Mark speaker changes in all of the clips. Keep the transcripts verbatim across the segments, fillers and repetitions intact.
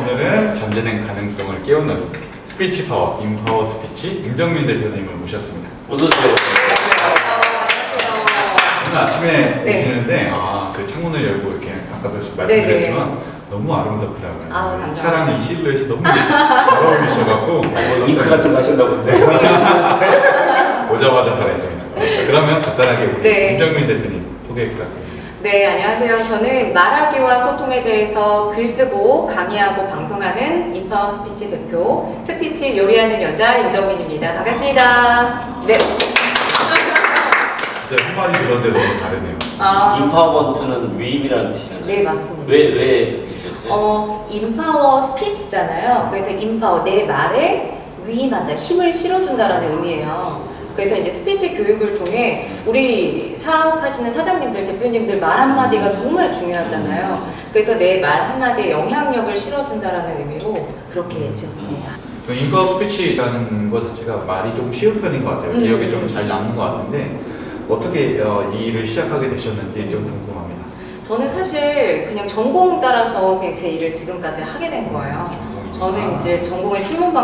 Speaker 1: 오늘은 잠재된 가능성을 깨우는 스피치 파워, 인파워 스피치 임정민 대표님을 모셨습니다.
Speaker 2: 어서오세요.
Speaker 1: 오늘 아침에
Speaker 3: 네.
Speaker 1: 오시는데 아, 그 창문을 열고 이렇게 아까도 말씀드렸지만 너무 아름답더라고요.
Speaker 3: 아우, 감사합니다.
Speaker 1: 차랑 이 실루엣이 너무 잘 어울리셔갖고
Speaker 2: 잉크 같은 거 하셨나 본데.
Speaker 1: 오자마자 반했습니다. 그러면 간단하게 우리
Speaker 3: 네.
Speaker 1: 임정민 대표님 소개 부탁드립니다.
Speaker 3: 네, 안녕하세요. 저는 말하기와 소통에 대해서 글 쓰고 강의하고 방송하는 인파워 스피치 대표, 스피치 요리하는 여자 임정민입니다. 반갑습니다. 네.
Speaker 1: 진짜 한마디 들었는데 너무 다르네요.
Speaker 3: 아,
Speaker 2: 인파워먼트는 위임이라는 뜻이잖아요.
Speaker 3: 네, 맞습니다.
Speaker 2: 왜, 왜 있었어요?
Speaker 3: 어, 인파워 스피치잖아요. 그래서 인파워, 내 말에 위임한다, 힘을 실어준다라는 의미예요. 그래서 이제 스피치 교육을 통해 우리 사업하시는 사장님들, 대표님들 말 한마디가 정말 중요하잖아요. 그래서 내 말 한마디에 영향력을 실어준다라는 의미로 그렇게 지었습니다.
Speaker 1: 그 인파워 스피치라는 것 자체가 말이 좀 쉬운 편인 것 같아요.
Speaker 3: 음.
Speaker 1: 기억에 좀 잘 남는 것 같은데 어떻게 어, 이 일을 시작하게 되셨는지 좀 궁금합니다.
Speaker 3: 저는 사실 그냥 전공 따라서 그냥 제 일을 지금까지 하게 된 거예요. 저는 이제 전공은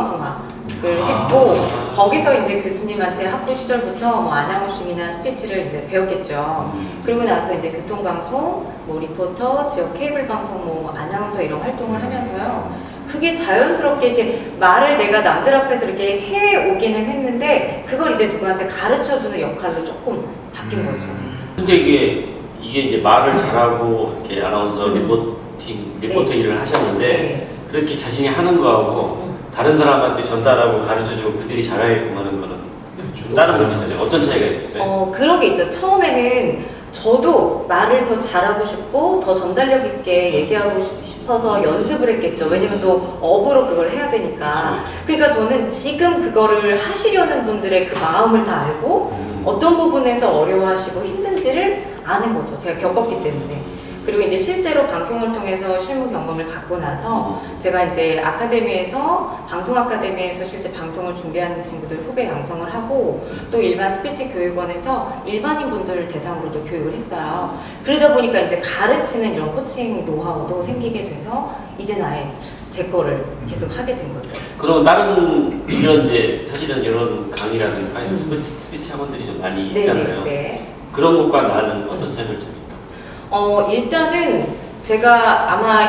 Speaker 3: 신문방송학을 했고 거기서 이제 교수님한테 학부 시절부터 뭐 아나운싱이나 스피치를 이제 배웠겠죠. 그리고 나서 이제 교통방송, 뭐 리포터, 지역 케이블 방송, 뭐 아나운서 이런 활동을 하면서요. 그게 자연스럽게 이렇게 말을 내가 남들 앞에서 이렇게 해 오기는 했는데 그걸 이제 누구한테 가르쳐주는 역할로 조금 바뀐 거죠.
Speaker 2: 근데 이게, 이게 이제 말을 잘하고 이렇게 아나운서
Speaker 3: 음.
Speaker 2: 리포팅, 리포터
Speaker 3: 네.
Speaker 2: 일을 하셨는데
Speaker 3: 네.
Speaker 2: 그렇게 자신이 하는 거하고
Speaker 3: 음.
Speaker 2: 다른 사람한테 전달하고 가르쳐주고 그들이 잘하게끔 하는 거는 좀 다른 문제잖아요. 어떤 차이가 있었어요?
Speaker 3: 어, 그런 게 있죠. 처음에는 저도 말을 더 잘하고 싶고 더 전달력 있게 얘기하고 싶- 싶어서 연습을 했겠죠. 왜냐면 또 업으로 그걸 해야 되니까.
Speaker 2: 그쵸, 그쵸.
Speaker 3: 그러니까 저는 지금 그거를 하시려는 분들의 그 마음을 다 알고
Speaker 2: 음.
Speaker 3: 어떤 부분에서 어려워하시고 힘든지를 아는 거죠. 제가 겪었기 때문에. 그리고 이제 실제로 방송을 통해서 실무 경험을 갖고 나서 제가 이제 아카데미에서 방송 아카데미에서 실제 방송을 준비하는 친구들 후배 양성을 하고 또 일반 스피치 교육원에서 일반인 분들을 대상으로도 교육을 했어요. 그러다 보니까 이제 가르치는 이런 코칭 노하우도 생기게 돼서 이제 아예 제 거를 계속 하게 된 거죠.
Speaker 2: 그럼 다른 이런 이제 사실은 이런 강의라든가
Speaker 3: 음.
Speaker 2: 스피치, 스피치 학원들이 좀 많이
Speaker 3: 네,
Speaker 2: 있잖아요.
Speaker 3: 네, 네.
Speaker 2: 그런 것과 나는 어떤 차이점이 있다?
Speaker 3: 어, 일단은 제가 아마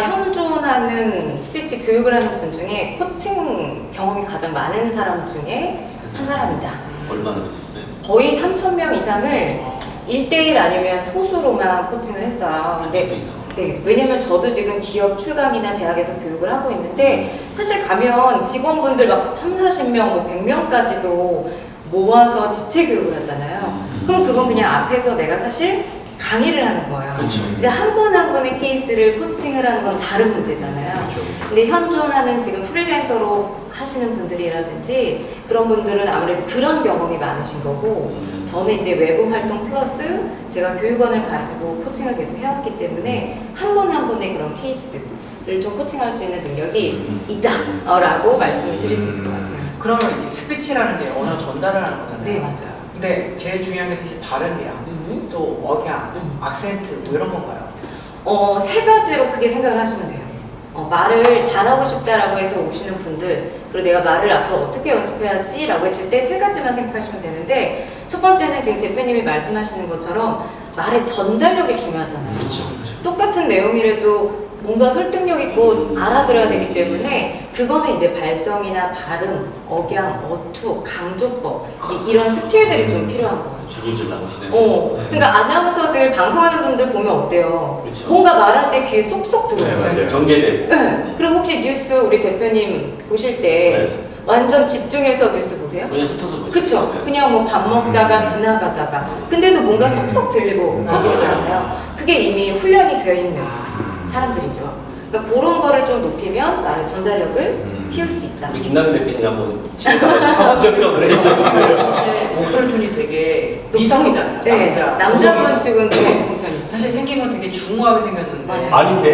Speaker 3: 현존하는 스피치 교육을 하는 분 중에 코칭 경험이 가장 많은 사람 중에 한 사람이다.
Speaker 2: 얼마나 하셨어요?
Speaker 3: 거의 삼천 명 이상을 일 대일 아니면 소수로만 코칭을 했어요. 근데 네, 왜냐면 저도 지금 기업 출강이나 대학에서 교육을 하고 있는데 사실 가면 직원분들 막 삼사십 명, 뭐 백 명까지도 모아서 집체 교육을 하잖아요. 그럼 그건 그냥 앞에서 내가 사실 강의를 하는 거예요.
Speaker 2: 그렇죠.
Speaker 3: 근데 한 분 한 분의 케이스를 코칭을 하는 건 다른 문제잖아요.
Speaker 1: 그렇죠.
Speaker 3: 근데 현존하는 지금 프리랜서로 하시는 분들이라든지 그런 분들은 아무래도 그런 경험이 많으신 거고 저는 이제 외부 활동 플러스 제가 교육원을 가지고 코칭을 계속 해왔기 때문에 한 분 한 분의 그런 케이스를 좀 코칭할 수 있는 능력이 있다라고 말씀을 드릴 수 있을 것 같아요.
Speaker 4: 그러면 이 스피치라는 게 언어 전달을 하는 거잖아요.
Speaker 3: 네, 맞아요.
Speaker 4: 근데 제일 중요한 게 사실 발음이랑
Speaker 3: 음.
Speaker 4: 또 억양,
Speaker 3: 음.
Speaker 4: 악센트 뭐 이런 건가요?
Speaker 3: 어, 세 가지로 크게 생각을 하시면 돼요. 어, 말을 잘하고 싶다라고 해서 오시는 분들, 그리고 내가 말을 앞으로 어떻게 연습해야지 라고 했을 때 세 가지만 생각하시면 되는데, 첫 번째는 지금 대표님이 말씀하시는 것처럼 말의 전달력이 중요하잖아요.
Speaker 2: 그렇죠. 그렇죠.
Speaker 3: 똑같은 내용이라도 뭔가 설득력 있고 알아들어야 되기 때문에 그거는 이제 발성이나 발음, 억양, 어투, 강조법 이제 이런 스킬들이 좀 필요한 거예요.
Speaker 2: 줄줄줄 나오시네요.
Speaker 3: 어,
Speaker 2: 네.
Speaker 3: 그러니까 아나운서들 방송하는 분들 보면 어때요?
Speaker 2: 그쵸.
Speaker 3: 뭔가 말할 때 귀에 쏙쏙
Speaker 1: 네,
Speaker 3: 들어오죠.
Speaker 1: 맞아요.
Speaker 2: 정제되고.
Speaker 3: 네. 그리고 혹시 뉴스 우리 대표님 보실 때
Speaker 2: 네.
Speaker 3: 완전 집중해서 뉴스 보세요?
Speaker 2: 그냥 흩어서 보시죠.
Speaker 3: 그쵸?
Speaker 2: 네.
Speaker 3: 그냥 뭐 밥 먹다가
Speaker 1: 음.
Speaker 3: 지나가다가 근데도 뭔가 쏙쏙 들리고
Speaker 1: 음.
Speaker 3: 꽂히잖아요. 그게 이미 훈련이 되어 있는
Speaker 1: 음.
Speaker 3: 사람들이죠. 그러니까 그런 거를 좀 높이면 말의 전달력을
Speaker 1: 음.
Speaker 3: 키울 수 있다.
Speaker 2: 우리 김남일 대표님 한번 지적적으로 해주세요.
Speaker 4: 사실 목소리 톤이 되게 미성이잖아요.
Speaker 3: 네,
Speaker 4: 남자.
Speaker 3: 남자분
Speaker 4: 고성이.
Speaker 3: 지금 좀 높은 편이시죠.
Speaker 4: 사실 생긴 건 되게 중후하게 생겼는데.
Speaker 3: 맞아.
Speaker 2: 아닌데?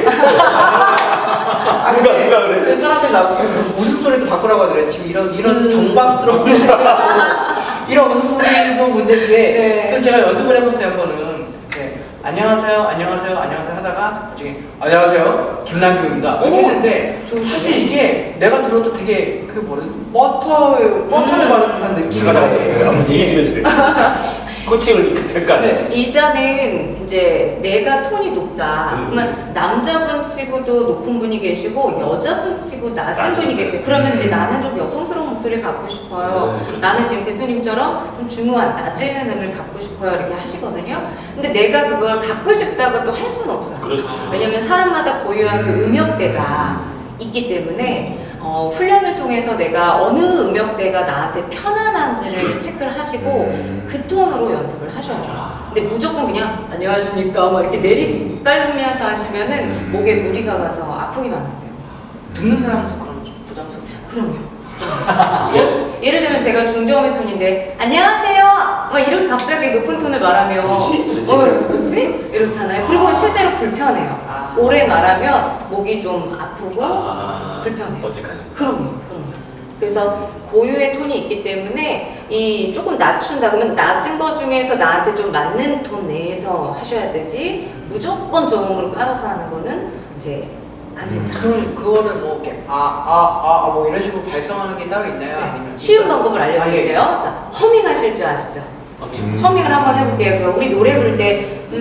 Speaker 4: 아,
Speaker 2: 누가,
Speaker 4: 근데
Speaker 2: 누가 그래?
Speaker 4: 근데 사람들이 나보고 웃음소리도 바꾸라고 하더래. 지금 이런, 이런
Speaker 3: 음.
Speaker 4: 경박스러운 이런 웃음소리도 문제인데.
Speaker 3: 네.
Speaker 4: 그래서 제가 연습을 해봤어요, 한 번은. 네. 안녕하세요, 안녕하세요, 안녕하세요 하다가 나중에 안녕하세요, 김남규입니다 이렇게
Speaker 3: 오,
Speaker 4: 했는데
Speaker 3: 좋은데?
Speaker 4: 사실 이게 내가 들어도 되게 그 뭐래 버터 버터를
Speaker 3: 음.
Speaker 4: 받은 느낌이
Speaker 2: 제가 나한테 한번 얘기해 주면 돼요. 코칭을 잠깐.
Speaker 4: 네.
Speaker 3: 일단은 이제 내가 톤이 높다.
Speaker 2: 음.
Speaker 3: 그러면 남자분 치고도 높은 분이 계시고 여자분 치고 낮은
Speaker 2: 낮은
Speaker 3: 분이
Speaker 2: 분.
Speaker 3: 계세요. 그러면
Speaker 1: 음.
Speaker 3: 이제 나는 좀 여성스러운 목소리를 갖고 싶어요.
Speaker 2: 네, 그렇죠.
Speaker 3: 나는 지금 대표님처럼 좀 중후한 낮은 음을 갖고 싶어요. 이렇게 하시거든요. 근데 내가 그걸 갖고 싶다고 또 할 수는 없어요.
Speaker 2: 그렇죠.
Speaker 3: 왜냐면 사람마다 고유한 그 음역대가 있기 때문에 어, 훈련을 통해서 내가 어느 음역대가 나한테 편안한지를 체크를 하시고
Speaker 1: 음.
Speaker 3: 그 톤으로 연습을 하셔야죠. 근데 무조건 그냥 안녕하십니까 막 이렇게 내리깔면서 하시면은
Speaker 1: 음.
Speaker 3: 목에 무리가 가서 아프기만 하세요.
Speaker 4: 듣는 사람도 그럼 좀 부담스럽고
Speaker 3: 그럼요. 예를, 예를 들면 제가 중저음의 톤인데 안녕하세요 막 이렇게 갑자기 높은 톤을 말하면
Speaker 2: 그렇지, 그렇지.
Speaker 3: 어 그렇지? 이렇잖아요. 그리고 실제로 불편해요.
Speaker 4: 아.
Speaker 3: 오래 말하면 목이 좀 아프고
Speaker 2: 아,
Speaker 3: 불편해요.
Speaker 2: 어색하네.
Speaker 3: 그럼요, 그럼요. 그래서 고유의 톤이 있기 때문에 이 조금 낮춘다 그러면 낮은 거 중에서 나한테 좀 맞는 톤 내에서 하셔야 되지 무조건 저음으로 깔아서 하는 거는 이제 안 된다.
Speaker 4: 그럼 그거를 뭐 이렇게 아아아 뭐 이런 식으로 발성하는 게 따로 있나요?
Speaker 3: 네,
Speaker 4: 아니면
Speaker 3: 쉬운 방법을
Speaker 4: 아, 예.
Speaker 3: 알려드릴게요. 자, 허밍 하실 줄 아시죠?
Speaker 1: 음.
Speaker 3: 허밍을 한번 해볼게요. 그 우리 노래 부를 때 음,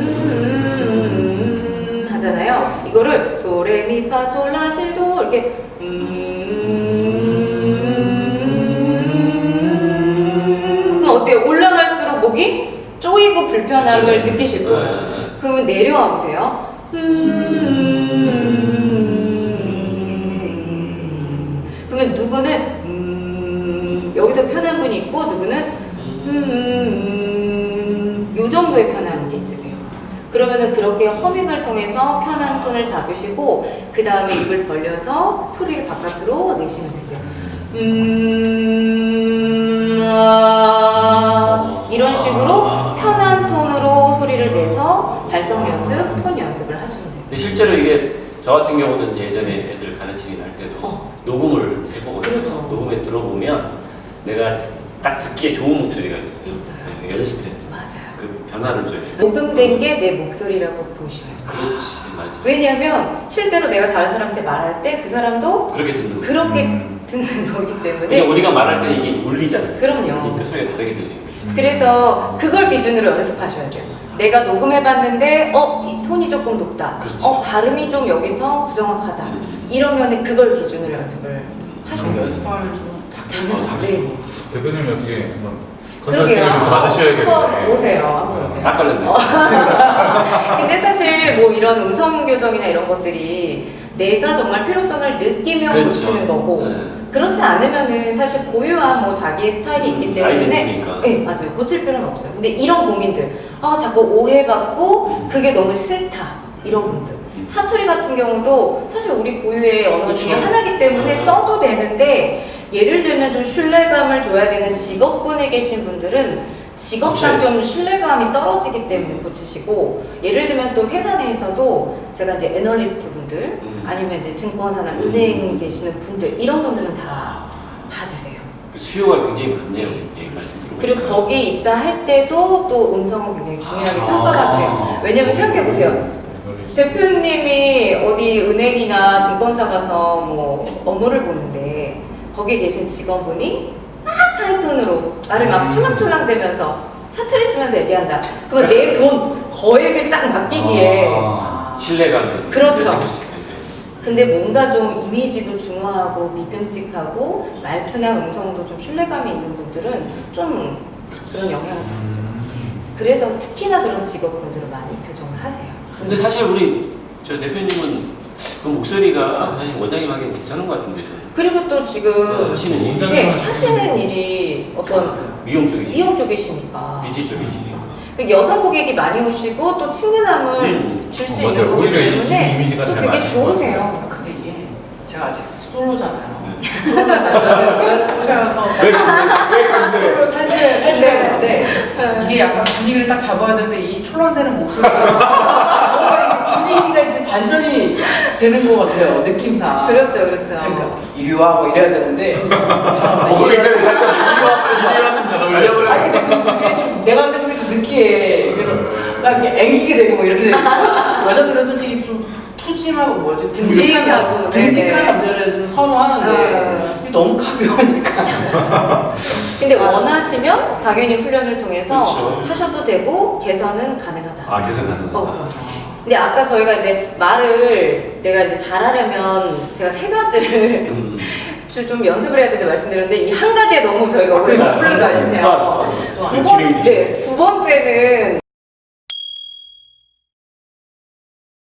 Speaker 3: 음, 음, 하잖아요. 이거를 도레미파솔라시도 이렇게 음, 그럼 어때요? 올라갈수록 목이 쪼이고 불편함을
Speaker 2: 그렇죠.
Speaker 3: 느끼실
Speaker 2: 네,
Speaker 3: 거예요.
Speaker 2: 네.
Speaker 3: 그러면 내려와 보세요. 음, 그러면 누구는 음, 여기서 편한 분이 있고 누구는 음, 요 정도의 편한 게 있으세요. 그러면은 그렇게 허밍을 통해서 편한 톤을 잡으시고 그 다음에 입을 벌려서 소리를 바깥으로 내시면 되세요. 음, 아, 이런 식으로 편한 톤으로 소리를 내서 발성 연습, 톤 연습을 하시면 되세요.
Speaker 2: 근데 실제로 이게 저 같은 경우는 예전에 애들 가르치긴 할 때도
Speaker 3: 어.
Speaker 2: 녹음을 해보거든요.
Speaker 3: 그렇죠.
Speaker 2: 녹음에 들어보면 내가 딱 듣기에 좋은 목소리가 있어요.
Speaker 3: 있어요.
Speaker 2: 네, 연습해.
Speaker 3: 맞아요.
Speaker 2: 그 변화를 줘야 돼.
Speaker 3: 녹음된 게 내 목소리라고 보셔요.
Speaker 2: 그렇지, 맞아.
Speaker 3: 왜냐면 실제로 내가 다른 사람한테 말할 때 그 사람도
Speaker 2: 그렇게 듣는 거야.
Speaker 3: 그렇게
Speaker 1: 음.
Speaker 3: 듣는 거기 때문에
Speaker 2: 그러니까 우리가 말할 때 이게 울리잖아요.
Speaker 3: 그럼요.
Speaker 2: 그러니까 소리가 다르게 들리는 거죠.
Speaker 3: 그래서 그걸 기준으로 연습하셔야 돼요. 내가 녹음해봤는데 어? 이 톤이 조금 높다.
Speaker 2: 그렇지.
Speaker 3: 어? 발음이 좀 여기서 부정확하다.
Speaker 2: 음.
Speaker 3: 이러면 그걸 기준으로 연습을 하셔야
Speaker 4: 좀
Speaker 3: 돼요.
Speaker 4: 연습하면 좀
Speaker 3: 당연히. 네.
Speaker 1: 대표님이 어떻게 한번
Speaker 3: 그러게요.
Speaker 1: 컨설팅을 좀
Speaker 3: 한번
Speaker 1: 받으셔야겠네요.
Speaker 3: 오세요. 한번 오세요.
Speaker 2: 딱 걸렸네.
Speaker 3: 어. 근데 사실 뭐 이런 음성 교정이나 이런 것들이 내가 정말 필요성을 느끼면
Speaker 2: 그렇죠.
Speaker 3: 고치는 거고
Speaker 2: 네.
Speaker 3: 그렇지 않으면은 사실 고유한 뭐 자기의 스타일이 있기 때문에
Speaker 2: 아이덴티니까.
Speaker 3: 네 맞아요 고칠 필요는 없어요. 근데 이런 고민들 아 자꾸 오해받고
Speaker 2: 음.
Speaker 3: 그게 너무 싫다 이런 분들 사투리 같은 경우도 사실 우리 고유의 언어 중에
Speaker 2: 그쵸.
Speaker 3: 하나이기 때문에
Speaker 2: 음.
Speaker 3: 써도 되는데 예를 들면 좀 신뢰감을 줘야 되는 직업군에 계신 분들은 직업상
Speaker 2: 그쵸.
Speaker 3: 좀 신뢰감이 떨어지기 때문에 고치시고 예를 들면 또 회사 내에서도 제가 이제 애널리스트 분들
Speaker 2: 음.
Speaker 3: 아니면 이제 증권사나 은행 계시는 분들 이런 분들은 다 받으세요.
Speaker 2: 그 수요가 굉장히 많네요. 예, 말씀 들어보니까.
Speaker 3: 그리고 거기에 입사할 때도 또 음성은 굉장히 중요하게 평가가 돼요. 왜냐면 생각해 보세요. 대표님이 어디 은행이나 증권사 가서 뭐 업무를 보는데 거기에 계신 직원분이 막 하이톤으로 나를 막 촐랑촐랑대면서 사투리 쓰면서 얘기한다. 그러면 내 돈 거액을 딱 맡기기에
Speaker 1: 아.
Speaker 2: 신뢰감이
Speaker 3: 그렇죠.
Speaker 2: 생길 수 있는데.
Speaker 3: 근데 뭔가 좀 이미지도 중후하고 믿음직하고 말투나 음성도 좀 신뢰감이 있는 분들은 좀 그런 영향을 받죠. 그래서 특히나 그런 직업분들은 많이 교정을 하세요.
Speaker 2: 근데 사실 우리 저 대표님은 그 목소리가 사실 원장님 하기엔 괜찮은 것 같은데 저는.
Speaker 3: 그리고 또 지금
Speaker 2: 하시는 일
Speaker 3: 네, 하시는 일이 어떤
Speaker 2: 미용 쪽이시
Speaker 3: 미용 쪽이시니까
Speaker 2: 뷰티 쪽이시니까.
Speaker 3: 그 여성 고객이 많이 오시고 또 친근함을
Speaker 2: 음.
Speaker 3: 줄 수
Speaker 1: 맞아요.
Speaker 3: 있는 거기
Speaker 1: 오히려 이- 이
Speaker 3: 때문에
Speaker 1: 이미지가
Speaker 3: 또
Speaker 1: 잘
Speaker 3: 되게
Speaker 1: 맞는 것
Speaker 3: 좋으세요.
Speaker 4: 근데 이게 제가 아직 솔로잖아요.
Speaker 2: 네.
Speaker 4: 솔로 남자를 꼬셔서
Speaker 2: 왜 강조해? 왜 강조해?
Speaker 4: 솔로 탈출 탈출해야 되는데 이게 약간 분위기를 딱 잡아야 되는데 이 촐랑대는 목소리가 뭔가 이 분위기가 이제 반전이 되는 것 같아요 느낌상.
Speaker 3: 그렇죠, 그렇죠.
Speaker 4: 그러니까 이리 와 뭐 이래야 되는데 죄송합니다.
Speaker 1: 어,
Speaker 4: 이리 와.
Speaker 1: 굉장히 이리와는 잘 어울려요.
Speaker 4: 아니 근데 그, 그게 좀 내가 생각해 그 느끼해. 그래서 나 이렇게 앵기게 되고 뭐 이렇게 되고 여자들은 솔직히 좀 푸짐하고 뭐지
Speaker 3: 듬직하고,
Speaker 4: 듬직한
Speaker 3: 네네.
Speaker 4: 남자를 좀 선호하는데
Speaker 3: 어.
Speaker 4: 이게 너무 가벼우니까
Speaker 3: 근데 원하시면 당연히 훈련을 통해서
Speaker 2: 그렇죠.
Speaker 3: 하셔도 되고 개선은 가능하다.
Speaker 1: 아 개선 가능하다.
Speaker 3: 어, 그럼요. 근데 아까 저희가 이제 말을 내가 이제 잘하려면 제가 세 가지를
Speaker 2: 음.
Speaker 3: 좀- 좀 연습을 해야 되는데 말씀드렸는데 이 한 가지에 너무 저희가
Speaker 4: 아,
Speaker 3: 오래
Speaker 4: 그러니까,
Speaker 3: 풀린 것
Speaker 4: 그러니까.
Speaker 3: 같아요.
Speaker 4: 또
Speaker 3: 두,
Speaker 2: 안
Speaker 3: 번,
Speaker 2: 치는
Speaker 3: 네, 두 번째는